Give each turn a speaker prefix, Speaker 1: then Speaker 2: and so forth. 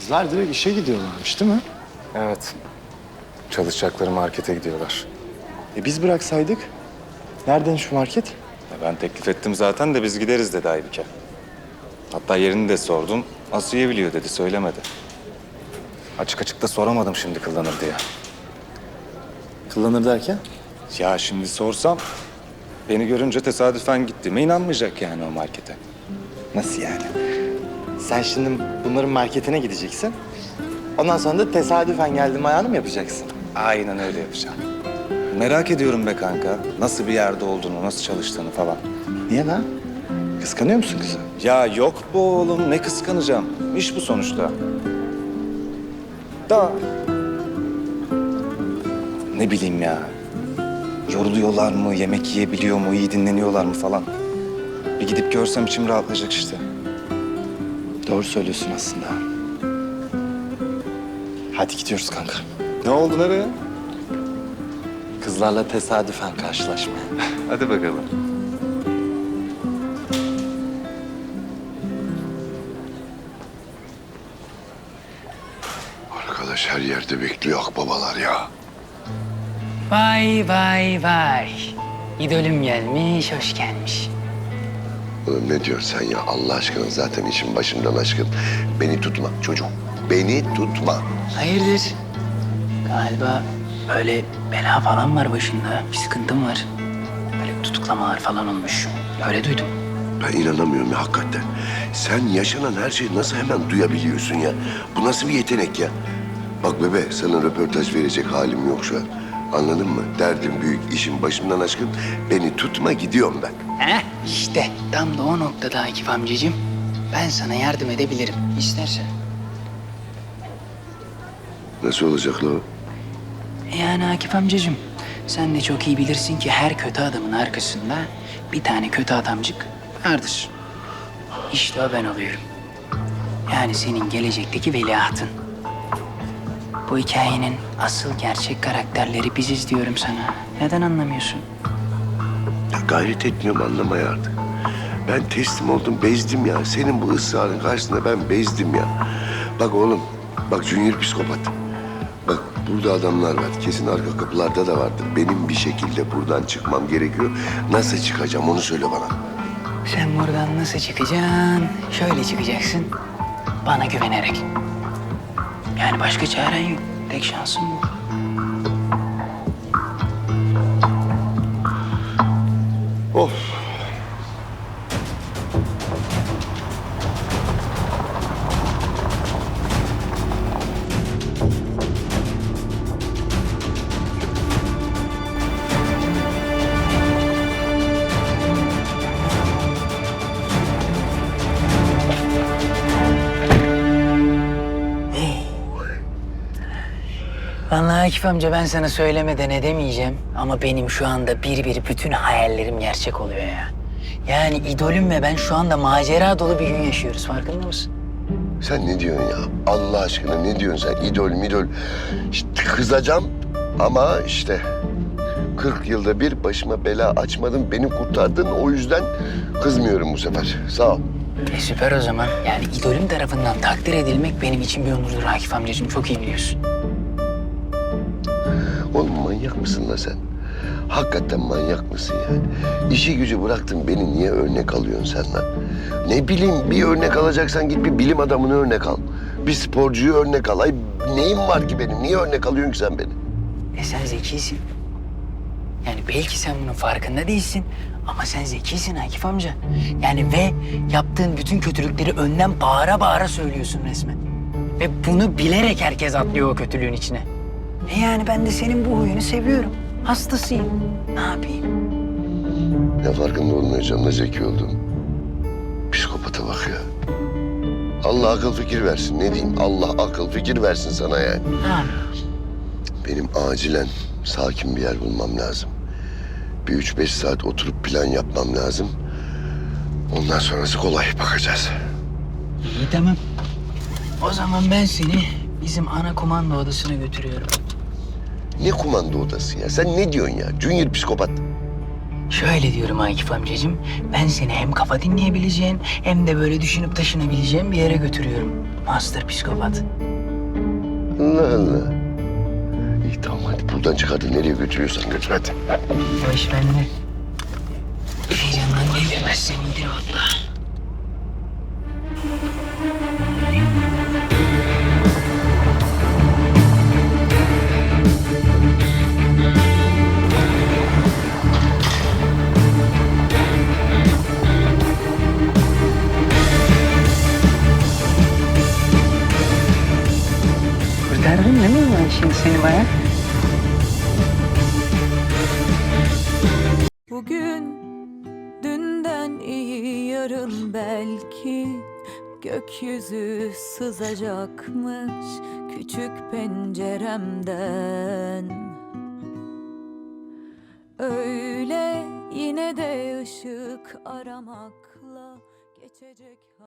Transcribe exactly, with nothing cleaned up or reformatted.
Speaker 1: Kızlar direkt işe gidiyorlarmış değil mi?
Speaker 2: Evet. Çalışacakları markete gidiyorlar.
Speaker 1: E biz bıraksaydık. Nereden şu market?
Speaker 2: Ya ben teklif ettim zaten de biz gideriz dedi Aybike. Hatta yerini de sordum. Asiye biliyor dedi, söylemedi. Açık açık da soramadım şimdi kullanır diye.
Speaker 1: Kullanır derken?
Speaker 2: Ya şimdi sorsam beni görünce tesadüfen gittiğime inanmayacak yani o markete.
Speaker 1: Nasıl yani? Sen şimdi bunların marketine gideceksin. Ondan sonra da tesadüfen geldim ayağını mı yapacaksın?
Speaker 2: Aynen öyle yapacağım. Merak ediyorum be kanka. Nasıl bir yerde olduğunu, nasıl çalıştığını falan.
Speaker 1: Niye lan? Kıskanıyor musun kızı?
Speaker 2: Ya yok bu oğlum, ne kıskanacağım. İş bu sonuçta. Da ne bileyim ya. Yoruluyorlar mı, yemek yiyebiliyor mu, iyi dinleniyorlar mı falan. Bir gidip görsem içim rahatlayacak işte.
Speaker 1: Doğru söylüyorsun aslında. Hadi gidiyoruz kanka.
Speaker 2: Ne oldu, nereye?
Speaker 1: Kızlarla tesadüfen karşılaşmaya.
Speaker 2: Hadi bakalım.
Speaker 3: Arkadaş her yerde bekliyor akbabalar ya.
Speaker 4: Vay vay vay. İdolüm gelmiş, hoş gelmiş.
Speaker 3: Oğlum ne diyorsun sen ya? Allah aşkına zaten işin başımdan aşkın. Beni tutma çocuk. Beni tutma.
Speaker 4: Hayırdır? Galiba böyle bela falan var başında. Bir sıkıntım var. Böyle tutuklamalar falan olmuş. Öyle duydum.
Speaker 3: Ben inanamıyorum ya hakikaten. Sen yaşanan her şeyi nasıl hemen duyabiliyorsun ya? Bu nasıl bir yetenek ya? Bak bebe sana röportaj verecek halim yok şu an. Anladın mı? Derdim büyük, işim başımdan aşkın. Beni tutma gidiyorum ben.
Speaker 4: Heh işte tam da o noktada Akif amcacığım. Ben sana yardım edebilirim istersen.
Speaker 3: Nasıl olacak la o?
Speaker 4: Yani Akif amcacığım sen de çok iyi bilirsin ki her kötü adamın arkasında bir tane kötü adamcık vardır. İşte o ben oluyorum. Yani senin gelecekteki veliahtın. Bu hikayenin asıl gerçek karakterleri biziz diyorum sana. Neden anlamıyorsun?
Speaker 3: Ya gayret etmiyorum anlamaya artık. Ben teslim oldum, bezdim ya. Senin bu ısrarın karşısında ben bezdim ya. Bak oğlum, bak Junior psikopat. Bak burada adamlar var. Kesin arka kapılarda da vardır. Benim bir şekilde buradan çıkmam gerekiyor. Nasıl çıkacağım onu söyle bana.
Speaker 4: Sen buradan nasıl çıkacaksın? Şöyle çıkacaksın. Bana güvenerek. Yani başka çaren yok. Tek şansın bu.
Speaker 3: Of.
Speaker 4: Vallahi Akif amca ben sana söylemeden edemeyeceğim. Ama benim şu anda bir bir bütün hayallerim gerçek oluyor ya. Yani idolüm ve ben şu anda macera dolu bir gün yaşıyoruz. Farkında mısın?
Speaker 3: Sen ne diyorsun ya? Allah aşkına ne diyorsun sen? İdol midol. İşte kızacağım ama işte kırk yılda bir başıma bela açmadın, beni kurtardın. O yüzden kızmıyorum bu sefer. Sağ ol.
Speaker 4: E süper o zaman. Yani idolüm tarafından takdir edilmek benim için bir onurdur Akif amcacığım. Çok iyi biliyorsun.
Speaker 3: Oğlum manyak mısın la sen? Hakikaten manyak mısın yani? İşi gücü bıraktın beni niye örnek alıyorsun sen lan? Ne bileyim bir örnek alacaksan git bir bilim adamını örnek al. Bir sporcuyu örnek al. Ay neyim var ki benim? Niye örnek alıyorsun ki sen beni?
Speaker 4: E sen zekisin. Yani belki sen bunun farkında değilsin. Ama sen zekisin Akif amca. Yani ve yaptığın bütün kötülükleri önden bağıra bağıra söylüyorsun resmen. Ve bunu bilerek herkes atlıyor o kötülüğün içine. E yani ben de senin bu huyunu seviyorum. Hastasıyım. Ne yapayım?
Speaker 3: Ne farkında olmayacağım da zeki oldum. Psikopata bak ya. Allah akıl fikir versin. Ne diyeyim? Allah akıl fikir versin sana yani.
Speaker 4: Ha.
Speaker 3: Benim acilen sakin bir yer bulmam lazım. Bir üç beş saat oturup plan yapmam lazım. Ondan sonrası kolay bakacağız.
Speaker 4: İyi tamam. O zaman ben seni bizim ana komando odasına götürüyorum.
Speaker 3: Ne kumanda odası ya? Sen ne diyorsun ya? Junior psikopat.
Speaker 4: Şöyle diyorum Akif amcacığım, ben seni hem kafa dinleyebileceğin hem de böyle düşünüp taşınabileceğin bir yere götürüyorum. Master psikopat.
Speaker 3: Allah Allah. İyi tamam hadi buradan çıkardın. Nereye götürüyorsan götür hadi.
Speaker 4: O iş bende. Heyecandan delirmezsen indir valla. Kurtardın değil mi ben şimdi seni baya?
Speaker 5: Bugün dünden iyi yarın belki gökyüzü sızacakmış küçük penceremden. Öyle yine de ışık aramakla geçecek.